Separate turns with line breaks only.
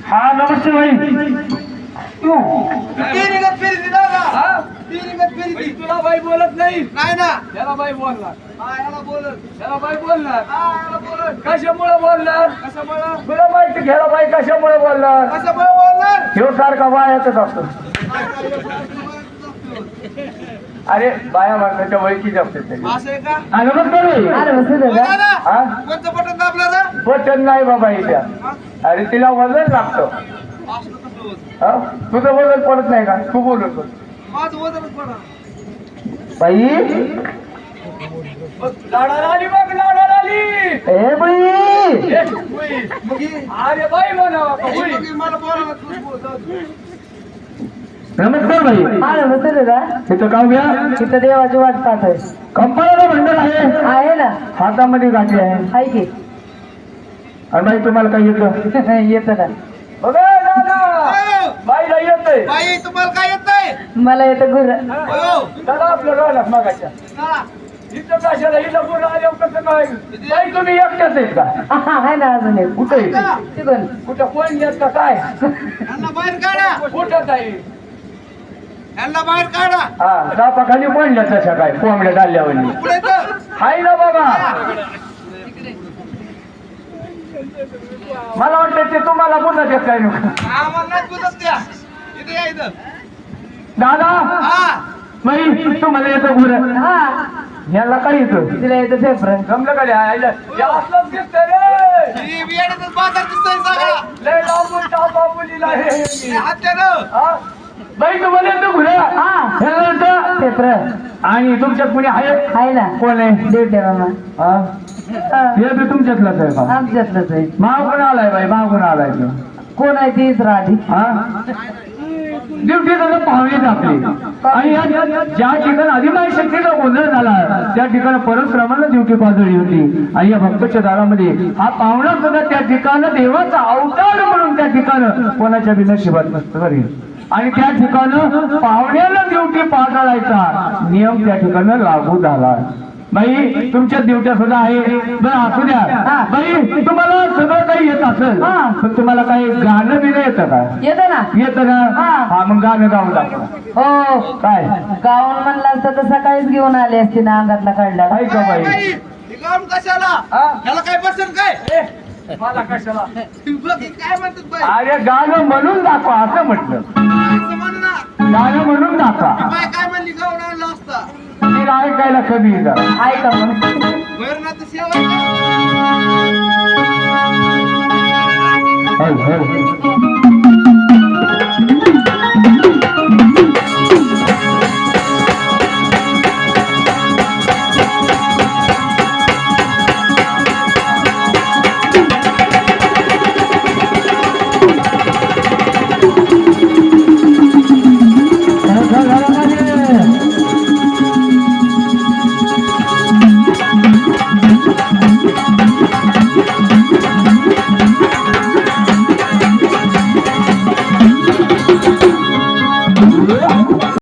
हा नमस्ते भाई तू
तुला बाई बोलत नाही
नाही ना
त्याला बाई बोलणार
ह्याला बोलत
त्याला बाई बोलणार
ह्याला बोलत
कशामुळे बोलणार
कशामुळं
तुला माहिती घ्यायला बाई कशामुळे बोलणार
कशामुळे बोलणार
ह्यो सारखा बायातच असतो अरे बाया मारण्याच्या वळखी असते ते
असं आहे का
नमस्कार भाई
बोला ना
हा
कोणतं बटन दाबलं ना
वचन नाही बाबा इथ्या अरे तिला वजन लागतं
असलं कसं होत
हा? तुझं वजन पडत नाही का तू बोलत बस.
माझं वजनच पडा
बाई लाडाला आली बघ लाडाला आली ए बाई
मग ही-
अरे बाई म्हणावा का
ही
बाई?
मग ही मला बोलायला तूच बोल, जाऊ दे.
नमस्कार भाई
हा नमस्ते दादा
तिथं गाव घ्या
तिथं देवाची वाट पाहत आहे
कंपनीला भंडार आहे
आहे ना
हातामध्ये गाठी आहे
हाय की
आणि बाई तुम्हाला काय येतं
येत ना
बघा दादा बाईला येतंय
बाई तुम्हाला काय येत नाही
मला येतं गुर
दादा आपलं राहिलं मागाच्या
हा.
इथं कशाला हिला गुरु आल्यावर कसं काय बाई तुम्ही एकट्याच आहेत का
आहे ना अजून एक
कुठे
तिकडून
कुठं कोण येत का काय
ह्यांना बाहेर काढा
कुठं काही
ह्यांना बाहेर काढा
हा दापाखाली पडल्या तशा काय कोंबड्या डाल्यावर
पुढे तर.
हाय ना बाबा मला वाटतं ते तुम्हाला पुन्हा देत काय नको
आम्हाला नाही बोलत त्या इथे या इथं
दादा
हा
बाई तुम्हाला येतं गुर
हा
याला काय येतं
तिला येतं पेपर
जमलं का रे? आईला या असलंच दिसतंय रे
ही बियाण्यातच बाजार दिसतोय सगळा
लय लांबून टापा मुलीला हे
हे हत्यानं
हा? बाई तुम्हाला येतं गुर
हा
ह्याला येतं
पेपर
आणि तुमच्यात कुणी आहे
आहे ना
कोण आहे
देवटे मामा
हा? हे बी तुमच्यातलंच आहे का
आमच्यातलंच आहे
मागून आलाय बाई मागून आलाय तो
कोण आहे तीच राठी
हा ड्युटी तर पाहुणेच आपली आणि ज्या ठिकाणी अधिमाय शक्तीचा गोंधळ झाला त्या ठिकाणी परशुरामाला ड्युटी पाजळली होती आणि या भक्ताच्या दारामध्ये हा पाहुणा सुद्धा त्या ठिकाणी देवाचा अवतार म्हणून त्या ठिकाणी कोणाच्या बी नशिबात नसतं घरी आणि त्या ठिकाणी पाहुण्याला ड्युटी पाजळायचा नियम त्या ठिकाणी लागू झाला बाई तुमच्या ड्युट्या सुद्धा आहे बरं असू द्या बाई तुम्हाला सगळं काही येत असेल पण तुम्हाला काही गाणं बिणं येतं का
येतं ना
येतं ना हा मग गाणं गाऊन दाखवा
हो
काय
गाऊन म्हणला असता तर सकाळीच घेऊन आले असते ना अंगातला काढला
आहे का बाई
हे गाऊन कशाला
हा?
ह्याला काय बसेल काय
मला कशाला
बघ हे काय म्हणतात बाई
अरे गाणं म्हणून दाखवा असं म्हटलं
असं म्हण ना
गाणं म्हणून दाखवा
बाय काय म्हणली गाऊन आणला असता
तिला ऐकायला कमी येतं
आहे का मग
भैरनाथ सेवा
हल, हल.